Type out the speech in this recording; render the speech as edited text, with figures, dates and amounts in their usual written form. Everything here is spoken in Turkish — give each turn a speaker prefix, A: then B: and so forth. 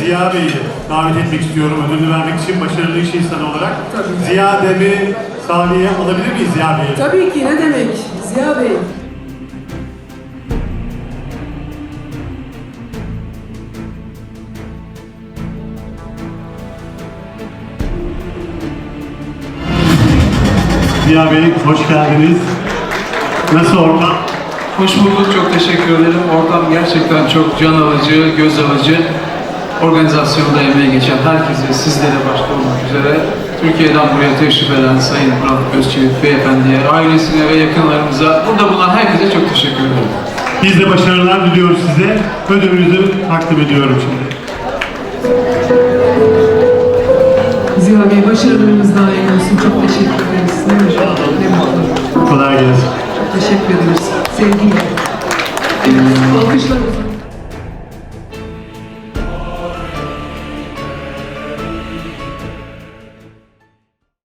A: Ziya Bey'i davet etmek istiyorum ödülünü vermek için başarılı iş insanı olarak.
B: Tabii.
A: Ziya Dem'i sahneye alabilir miyiz Ziya Bey'i?
B: Tabii ki, ne demek Ziya Bey.
A: Ziya Bey hoş geldiniz. Nasıl ortam?
C: Hoş bulduk, çok teşekkür ederim. Ortam gerçekten çok can alıcı, göz alıcı. Organizasyonda emeği geçen herkese, sizlere başta olmak üzere Türkiye'den buraya teşrif eden Sayın Murat Özçivit Beyefendiye, ailesine ve yakınlarımıza, burada bulunan herkese çok teşekkür ederim.
A: Biz de başarılar diliyoruz size. Ödülünüzü takdim ediyorum şimdi.
B: Ziya Bey, başarılarınız daim olsun. Çok teşekkür ederiz. Ne mutlu.
A: Kolay gelsin.
B: Çok teşekkür ederiz. Sevgiyle. Alkışlar olsun.